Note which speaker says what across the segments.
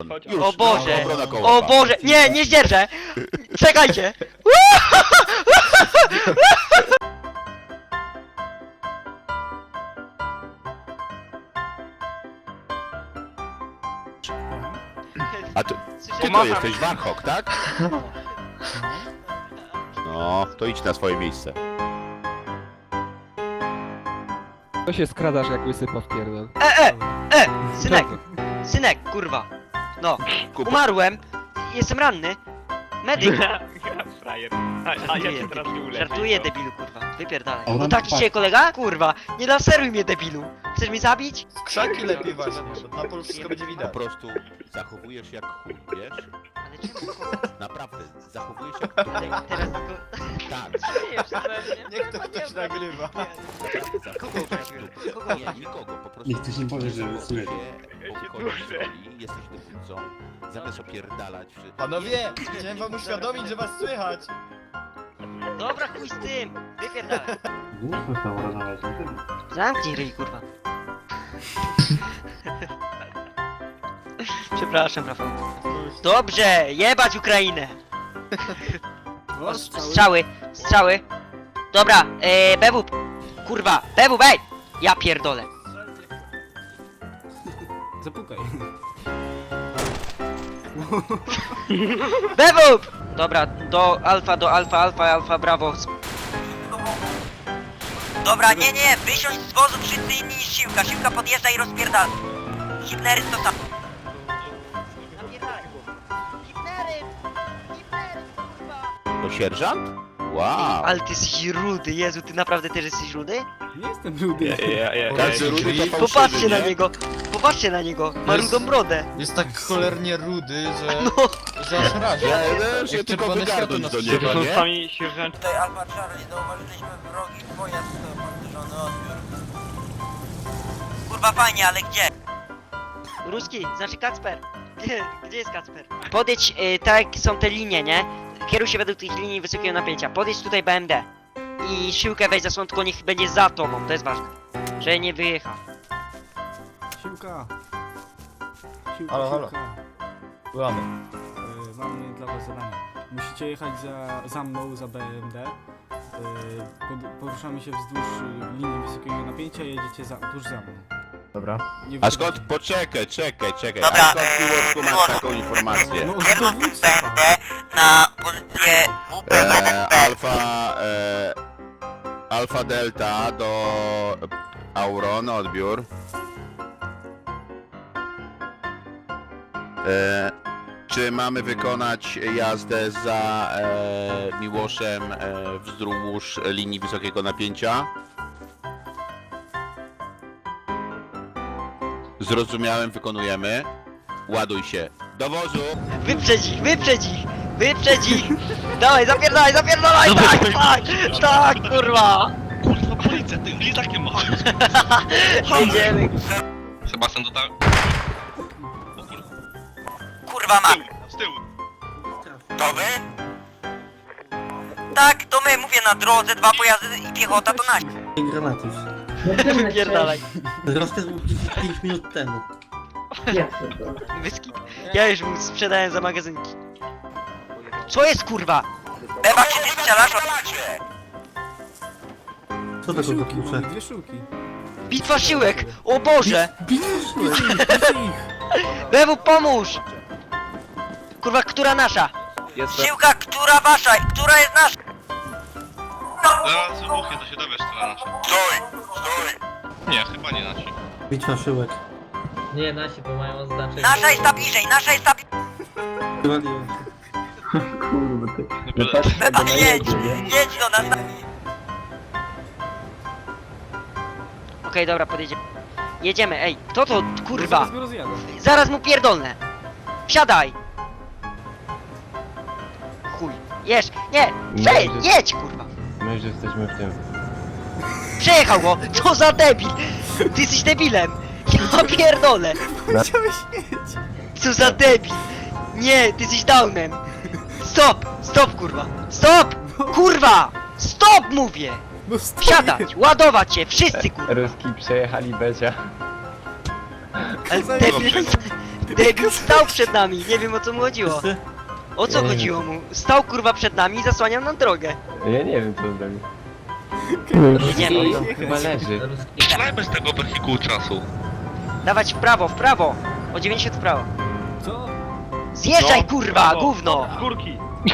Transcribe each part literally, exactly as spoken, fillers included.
Speaker 1: chodź.
Speaker 2: Już,
Speaker 3: O Boże!
Speaker 2: no, obrona kołowa.
Speaker 3: O Boże! Nie, nie zdzierżę! Czekajcie!
Speaker 2: A ty, ty to
Speaker 3: Pomacham.
Speaker 2: jesteś Warhawk, tak? No, to idź na swoje miejsce.
Speaker 4: To się skradasz jak wysypa w pierdol.
Speaker 3: E, e, e! Synek! Synek, kurwa! No,
Speaker 2: Kuba.
Speaker 3: umarłem! Jestem ranny! Medyk!
Speaker 1: Frajer. A, a ja
Speaker 3: Żartuję,
Speaker 1: cię teraz nie
Speaker 3: debilu.
Speaker 1: uleczę.
Speaker 3: Żartuję, debilu, kurwa. Wypierdalaj.
Speaker 5: A
Speaker 3: No
Speaker 5: on
Speaker 3: taki
Speaker 5: tak.
Speaker 3: dzisiaj kolega? Kurwa! Nie laseruj mnie, debilu! Chcesz mnie zabić?
Speaker 6: Krzaki lepiej właśnie, bo na polu wszystko będzie
Speaker 2: Po
Speaker 6: widać.
Speaker 2: prostu zachowujesz jak chuj, wiesz?
Speaker 3: Ale czemu?
Speaker 2: Naprawdę, zachowujesz jak chuj.
Speaker 3: Teraz tylko...
Speaker 2: Tak,
Speaker 3: Śmiejesz się ze mnie.
Speaker 6: Niech to ktoś nagrywa.
Speaker 2: naprawdę
Speaker 3: Kogo
Speaker 2: zachowujesz.
Speaker 3: obraziłem? Kogo
Speaker 2: Nie, nikogo, po prostu.
Speaker 5: Niech ktoś nie powie, że
Speaker 2: zachowujesz
Speaker 5: słyszy.
Speaker 2: się, obchodzisz roli, jesteś dowódcą, zamiast opierdalać... przy-
Speaker 6: Panowie, chciałem wam uświadomić, że was słychać.
Speaker 3: Dobra, chuj z tym! Wypierdalaj.
Speaker 5: Głucho tam rozmawiać na tym.
Speaker 3: Zamknij ryj, kurwa. Przepraszam, Rafał. Dobrze, jebać Ukrainę! O, strzały, strzały. Dobra, ee, B W P. Kurwa, B W P, ej! Ja pierdolę.
Speaker 7: Zapukaj.
Speaker 3: B W P! Dobra, do alfa, do alfa, alfa, alfa, brawo.
Speaker 8: Dobra, nie, nie, wysiądź z wozu wszyscy inni niż Siłka. Siłka podjeżdża i rozpierdala. Hitlery to tam.
Speaker 2: To sierżant? Wow!
Speaker 3: Ale ty jesteś rudy, Jezu, ty naprawdę też jesteś rudy?
Speaker 7: Nie jestem rudy.
Speaker 1: Ja, ja, ja,
Speaker 2: Każdy rudy to fałszywy,
Speaker 3: Popatrzcie na
Speaker 2: nie?
Speaker 3: niego, popatrzcie na niego, ma
Speaker 6: Jest-
Speaker 3: rudą brodę.
Speaker 6: Jest tak cholernie rudy, że...
Speaker 3: No,
Speaker 6: że aż razie.
Speaker 2: Ja ja się
Speaker 6: Jak
Speaker 2: tylko
Speaker 6: czerwone
Speaker 2: wygarnąć
Speaker 6: światło
Speaker 2: do
Speaker 6: na
Speaker 2: niego,
Speaker 1: To są
Speaker 2: nie?
Speaker 1: sami sierżanci.
Speaker 8: Tutaj Alfa Charlie, zauważyliśmy wrogi pojazd opancerzony odbiór. Kurwa fajnie, ale gdzie?
Speaker 3: ruski, znaczy Kacper. Gdzie, gdzie jest Kacper? Podejdź, y, tak jak są te linie, nie? Kieruj się według tych linii wysokiego napięcia. Podejdź tutaj B M D. I siłkę weź zasłon, tylko niech będzie za tobą, to jest ważne. Że nie wyjecha.
Speaker 7: Siłka. Siłka,
Speaker 6: Halo, halo.
Speaker 7: siłka.
Speaker 6: Byłamy.
Speaker 7: Y, mamy dla was zadanie. Musicie jechać za, za mną, za B M D. Y, pod, poruszamy się wzdłuż y, linii wysokiego napięcia i jedziecie za, tuż za mną.
Speaker 6: Dobra.
Speaker 7: Nie
Speaker 2: A
Speaker 7: wychodzi-
Speaker 2: skąd? Poczekaj, czekaj, czekaj.
Speaker 8: Dobra,
Speaker 2: A skąd
Speaker 8: e,
Speaker 2: Miłoszku masz
Speaker 8: Miłoszku.
Speaker 2: taką informację?
Speaker 7: No, z
Speaker 8: Kierunek
Speaker 7: dowódcy.
Speaker 8: B M D na pozycję W P
Speaker 2: E,
Speaker 8: jeden B.
Speaker 2: alfa, e, alfa Delta do Auron, odbiór. E, czy mamy wykonać jazdę za e, Miłoszem e, wzdłuż linii wysokiego napięcia? Zrozumiałem, wykonujemy. Ładuj się. Do wozu!
Speaker 3: Wyprzedź ich, wyprzedź ich! Wyprzedź ich! Dawaj, zapierdalaj, zapierdalaj! Tak, tak! Tak, kurwa!
Speaker 9: Kurwa, policja, ty mnie takie ma.
Speaker 3: Jedziemy!
Speaker 9: Sebastian to tak.
Speaker 8: Kurwa ma.
Speaker 9: Z tyłu.
Speaker 8: To wy? Tak, to my, mówię na drodze, dwa pojazdy i piechota to nasi.
Speaker 5: Granatus.
Speaker 3: Wypierdalaj.
Speaker 5: Rozkaz był pięć minut temu.
Speaker 3: Wyskip. Ja już mu sprzedałem za magazynki. Co jest, kurwa?
Speaker 8: Beba, czy ty strzelasz?
Speaker 5: Co
Speaker 7: Dwie
Speaker 5: to za
Speaker 7: siłki,
Speaker 5: klucze?
Speaker 7: mamy dwie siłki.
Speaker 3: Bitwa siłek! O Boże!
Speaker 7: Widzę ich, widzę ich.
Speaker 3: Bewu, pomóż! Kurwa, która nasza?
Speaker 8: Siłka, która wasza? Która jest nasza?
Speaker 9: Zaraz wybuchnie, to się dowiesz, która nasza.
Speaker 8: Stój, stój.
Speaker 9: Nie, chyba nie nasi.
Speaker 5: Bitwa szyłek.
Speaker 10: Nie, nasi to mają oznaczenie.
Speaker 8: Nasza jest ta bliżej, nasza jest ta bliżej.
Speaker 5: Wywaliłem się.
Speaker 9: Nie byle.
Speaker 8: Beba, jedź, jedź do nas.
Speaker 3: Okej, dobra, podjedziemy. Jedziemy, ej, kto to, kurwa?
Speaker 7: Zaraz go rozjadę.
Speaker 3: Zaraz mu pierdolnę! Wsiadaj! Chuj, jesz, nie, przejedź, jedź, kurwa!
Speaker 5: My już jesteśmy w tym.
Speaker 3: Przejechał go! Co za debil! Ty jesteś debilem! Ja pierdolę!
Speaker 7: Chciałeś jedź.
Speaker 3: Co za debil! Nie, ty jesteś downem! Stop! Stop, kurwa! Stop! Kurwa! Stop, mówię!
Speaker 7: No stoi.
Speaker 3: Wsiadać! Ładować się! Wszyscy, kurwa!
Speaker 1: Ruski przejechali Becia.
Speaker 3: Ale debil, Debil stał przed nami, nie wiem o co mu chodziło.
Speaker 5: Wszyscy?
Speaker 3: O co
Speaker 5: Ja nie
Speaker 3: chodziło mu? Stał kurwa przed nami i zasłaniał nam drogę.
Speaker 5: Ja nie wiem co on zrobił.
Speaker 3: Nie no,
Speaker 5: On chyba leży.
Speaker 9: Strzelajmy z tego wehikułu czasu.
Speaker 3: dawać w prawo, w prawo. O dziewięćdziesiąt w prawo.
Speaker 7: Co?
Speaker 3: Zjeżdżaj
Speaker 1: No,
Speaker 3: kurwa,
Speaker 1: brawo.
Speaker 3: gówno!
Speaker 1: Z górki.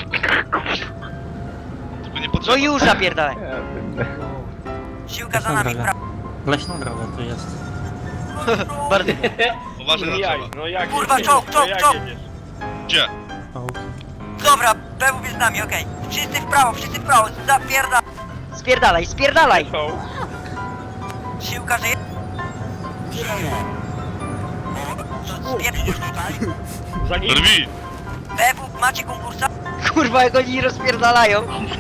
Speaker 9: Tylko nie
Speaker 3: No
Speaker 9: potrzeba.
Speaker 3: już napierdalaj.
Speaker 8: Siłka za nami, prawo.
Speaker 5: Leśna droga tu jest.
Speaker 3: Bardzo.
Speaker 9: Uważaj
Speaker 1: No
Speaker 9: na
Speaker 1: jak,
Speaker 9: drzewa.
Speaker 1: no jak
Speaker 8: Kurwa,
Speaker 1: jedziesz?
Speaker 8: czołg,
Speaker 1: No
Speaker 8: czołg,
Speaker 1: jak
Speaker 8: czołg.
Speaker 1: jedziesz?
Speaker 9: Gdzie?
Speaker 8: Dobra, B W jest z nami, okej. Wszyscy w prawo, wszyscy w prawo, zapierda.
Speaker 3: Spierdalaj, spierdalaj!
Speaker 1: Są.
Speaker 8: Siłka żyje. Spierdzisz tutaj.
Speaker 1: Za nim.
Speaker 9: Drwi!
Speaker 8: B W macie konkursa?
Speaker 3: Kurwa, jak oni rozpierdalają.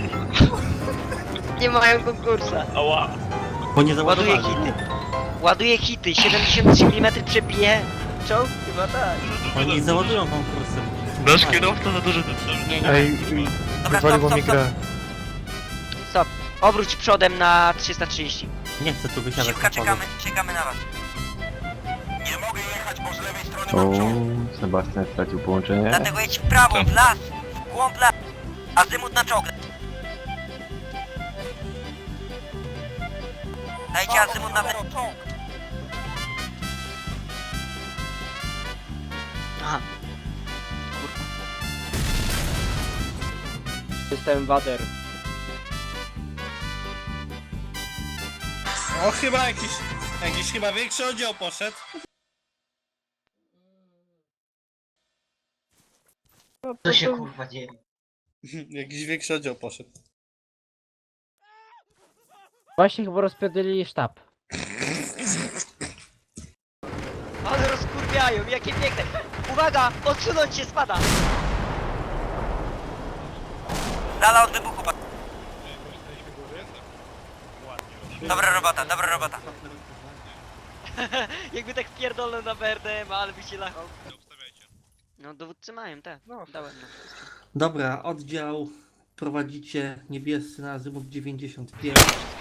Speaker 3: Nie mają konkursa.
Speaker 1: Ała.
Speaker 5: Bo nie
Speaker 3: Ładuje
Speaker 5: załadowali.
Speaker 3: hity. Ładuje hity, siedemdziesiąt trzy milimetry przebije. Czołg? Chyba tak.
Speaker 5: Oni załadują konkursy.
Speaker 9: Nasz kierowca za duży ten cel.
Speaker 3: Nie, nie.
Speaker 8: Dobra, stop, stop, stop.
Speaker 3: Stop. Obróć przodem na trzysta trzydzieści.
Speaker 5: Nie chcę tu wysiadać
Speaker 8: Siłka,
Speaker 5: na polu.
Speaker 8: czekamy, czekamy na was. Nie mogę jechać, bo z lewej strony mam czołg.
Speaker 5: Sebastian stracił połączenie.
Speaker 8: Dlatego jedź w prawo, w las, w głąb las. Azymut na czołg. Dajcie azymut na ten czołg.
Speaker 3: Aha. Kurwa.
Speaker 4: Jestem wader.
Speaker 6: O, chyba jakiś, jakiś chyba większy oddział poszedł.
Speaker 8: Co się kurwa dzieje?
Speaker 6: Jakiś większy oddział poszedł.
Speaker 4: Właśnie chyba rozpierdolili sztab.
Speaker 3: Ale rozkurwiają, jakie piękne. Uwaga, odsunąć się, spada.
Speaker 8: Dala od wybuchu. pa- Dobra robota, dobra robota.
Speaker 3: Jakby tak pierdolę na B R D M, ale by się lachał. No dowódcy mają, tak. No, dałem no.
Speaker 5: Dobra, oddział prowadzicie niebiescy na azymut dziewięćdziesiąt pięć.